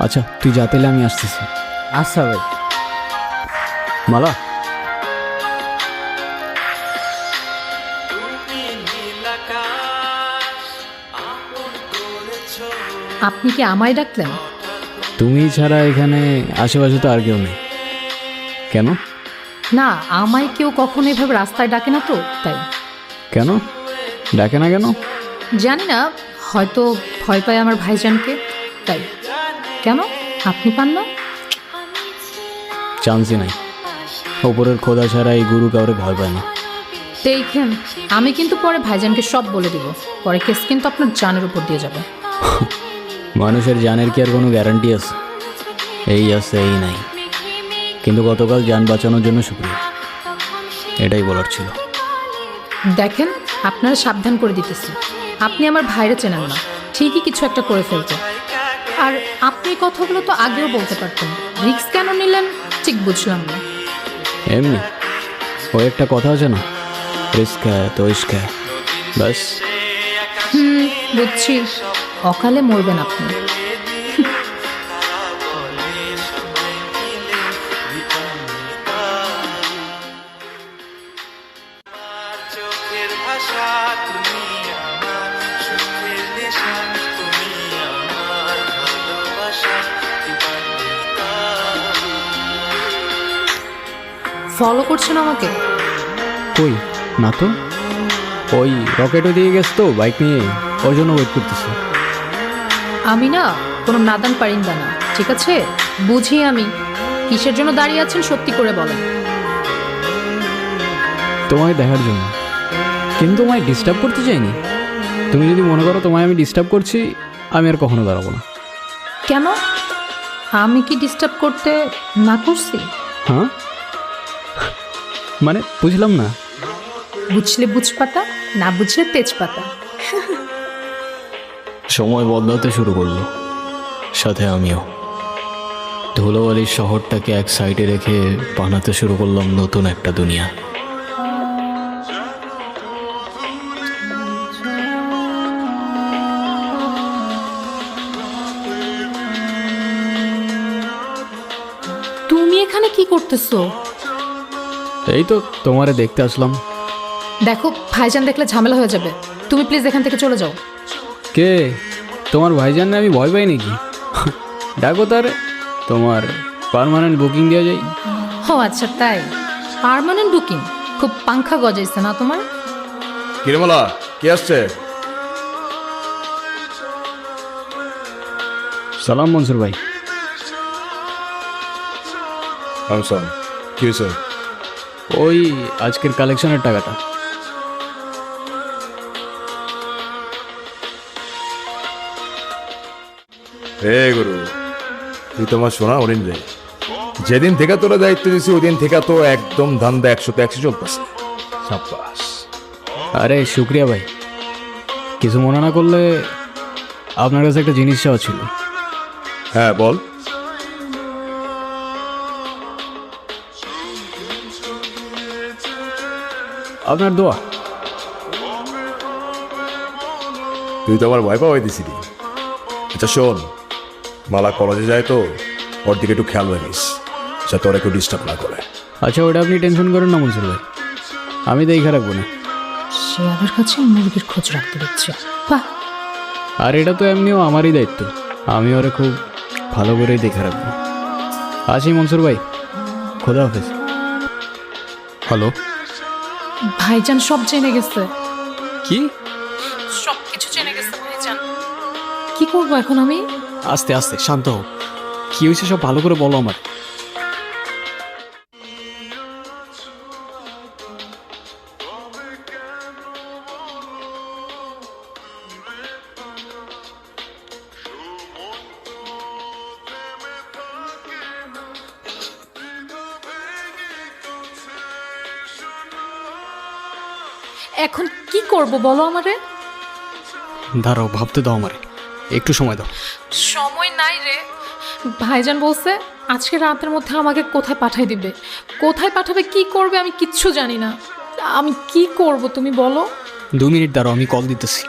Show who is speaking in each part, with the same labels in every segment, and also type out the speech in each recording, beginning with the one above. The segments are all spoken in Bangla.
Speaker 1: আচ্ছা তুই যা, তাহলে আমি আসতেছি।
Speaker 2: আচ্ছা ভাই।
Speaker 1: মালা,
Speaker 3: আপনি কি আমায় ডাকলেন?
Speaker 1: তুমি ছাড়া এখানে আশেপাশে তো আর কেউ নেই। কেন?
Speaker 3: না, আমায় কেউ কখনো এভাবে রাস্তায় ডাকে না তো, তাই।
Speaker 1: কেন ডাকে না কেন?
Speaker 3: জানি না, হয়তো ভয় পায় আমার ভাইজানকে, তাই। কেন, আপনি পান না?
Speaker 1: চান্সই নাই। ওপরের খোদা ছাড়া এই গুরু কাউরে ভয় পায় না।
Speaker 3: দেখেন, আমি কিন্তু পরে ভাইজানকে সব বলে দিব, পরে কেস কিন্তু আপনার জানের উপর দিয়ে যাবে।
Speaker 1: মানুষের জানের কি আর কোনো গ্যারান্টি আছে? এই আছে, এই নাই। কিন্তু গতকাল জান বাঁচানোর জন্য শুক্রিয়া, এটাই বলার ছিল।
Speaker 3: দেখেন, আপনারা সাবধান করে দিতেছি, আপনি আমার ভাইরে চেনেন না, ঠিকই কিছু একটা করে ফেলতে। আর আপনি এই কথাগুলো তো আগেও বলতে পারতেন, রিস্ক কেন নিলেন ঠিক বুঝলাম না।
Speaker 1: এমনি ওই একটা কথা আছে না, রিস্ক হ্যায় তো ইশক হ্যায়, ব্যাস।
Speaker 3: বুঝছি, অকালে মরবেন আপনি। ফলো করছেন আমাকে?
Speaker 1: কই না তো, ওই রকেটও দিয়ে গেছে তো বাইক নিয়ে, ওই জন্য ওয়েট করতেছি।
Speaker 3: আমি না কোনো নাদান পারিন্দা না, ঠিক আছে? বুঝি আমি কিসের জন্য দাঁড়িয়ে আছেন, সত্যি করে বলেন।
Speaker 1: তোমায় দেখার জন্য, কিন্তু তোমায় ডিস্টার্ব করতে চাইনি। তুমি যদি মনে করো তোমায় আমি ডিস্টার্ব করছি, আমি আর কখনো দাঁড়াবো না।
Speaker 3: কেন, আমি কি ডিস্টার্ব করতে না করছি?
Speaker 1: হ্যাঁ মানে বুঝলাম না।
Speaker 3: বুঝলে বুঝপাতা, না বুঝলে তেজপাতা।
Speaker 1: সময় বদলাতে শুরু করলো, সাথে আমিও। ধুলোবালির শহরটাকে এক সাইডে রেখে বানাতে শুরু করলাম নতুন একটা দুনিয়া।
Speaker 3: তুমি এখানে কি করতেছো?
Speaker 1: এই তো তোমারে দেখতে আসলাম।
Speaker 3: দেখো, ভাইজান দেখলে ঝামেলা হয়ে যাবে, তুমি প্লিজ এখান থেকে চলে যাও।
Speaker 1: কে? তোমার ভাইজান না আমি ভয় পাই নাকি? ডাকো তার, তোমার পার্মানেন্ট বুকিং দেওয়া যায়।
Speaker 3: ও আচ্ছা, তাই? Permanent booking? খুব পাংখা গজাইছে না তোমার?
Speaker 4: কিরমলা কে আসছে?
Speaker 1: সালাম মনসুর ভাই।
Speaker 4: আমসান, কি হয়েছে?
Speaker 1: ওই আজকের কালেকশনের টাকাটা।
Speaker 4: হে গুরু, তুই তোমার শোনা হরিণ রে। যেদিন থেকে তোরা দায়িত্ব দিছি ওই দিন থেকে তো একদম ধান্দা 100-100 চলতেছে। সাব্বাস।
Speaker 1: আরে শুক্রিয়া ভাই, কিছু মনে না করলে আপনার কাছে একটা জিনিস চাওয়া ছিল।
Speaker 4: হ্যাঁ বল।
Speaker 1: আপনার দোয়া।
Speaker 4: তুই তো আমার ভয় পাওয়াই দিছিলি। আচ্ছা শোন, মালা কলেজে যায় তো, ওর দিকে একটু খেয়াল রাখিস যাতে ওরা কেউ ডিস্টার্ব না করে।
Speaker 1: আচ্ছা ওটা আপনি টেনশন করেন না মনসুর ভাই, আমি দেখে রাখবো না।
Speaker 3: শেয়ালের কাছে মুরগির খোঁজ রাখতে দিচ্ছে, বাহ।
Speaker 1: আর এটা তো এমনিও আমারই দায়িত্ব, আমি ওরে খুব ভালো করেই দেখে রাখবো। আসি মনসুর ভাই, খোদা হাফেজ। হ্যালো,
Speaker 3: ভাইজান সব জেনে গেছে।
Speaker 1: কি?
Speaker 3: সব কিছু জেনে গেছে ভাইজান। কি করবো এখন আমি?
Speaker 1: আস্তে আস্তে শান্ত হোক, কি হয়েছে সব ভালো করে বলো আমার।
Speaker 3: এখন কি করব বলো আমারে?
Speaker 1: দাঁড়াও, ভাবতে দাও আমারে, একটু সময় দাও।
Speaker 3: সময় নাই রে। ভাইজান বলছে আজকে রাতের মধ্যে আমাকে কোথায় পাঠাই দিবে, কোথায় পাঠাবে, কি করবে আমি কিচ্ছু জানি না। আমি কি করব তুমি বলো?
Speaker 1: 2 মিনিট দাঁড়াও, আমি কল দিতেছি।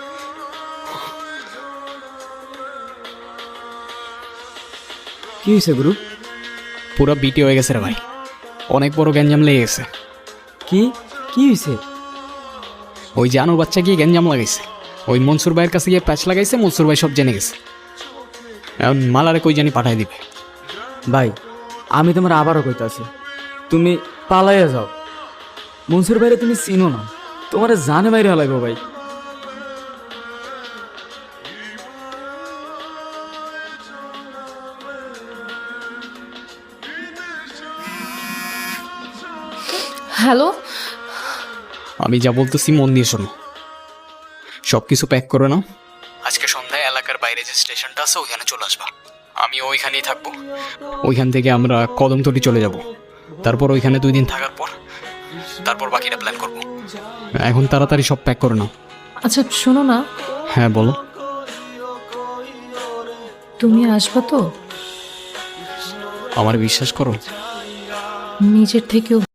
Speaker 2: কি হয়েছে গুরু?
Speaker 1: পুরো বিটি হয়ে গেছে রে ভাই, অনেক বড় গ্যাঞ্জাম লেগে গেছে।
Speaker 2: কি কি হয়েছে?
Speaker 1: ওই জানুর বাচ্চা গিয়ে গ্যাঞ্জাম লাগাইছে, ওই মনসুর ভাইয়ের কাছে গিয়ে প্যাচ লাগাইছে, মনসুর ভাই সব জেনে গেছে। এখন মালারে কই জানি পাঠাই দিবে।
Speaker 2: ভাই আমি তোমার আবারও কইতাছি, তুমি পালাইয়া যাও। মনসুর ভাইরে তুমি চিনো না, তোমার জানে মাইরে লাগবে ভাই।
Speaker 3: হ্যালো,
Speaker 1: আমি যা বলতেছি মন দিয়ে শোনো, সব কিছু প্যাক করে নাও। আজকে সন্ধ্যায় এলাকার বাইরে যে স্টেশনটা আছে ওইখানে চলে আসবা, আমি ওইখানেই থাকবো। ওইখান থেকে আমরা কদমতলি চলে যাব, তারপর ওইখানে 2 দিন থাকার পর তারপর বাকিটা প্ল্যান করব। এখন তাড়াতাড়ি সব প্যাক করে নাও।
Speaker 3: আচ্ছা শোনো না,
Speaker 1: হ্যাঁ বলো।
Speaker 3: তুমি আসবা তো?
Speaker 1: আমার বিশ্বাস করো,
Speaker 3: নিজের থেকেও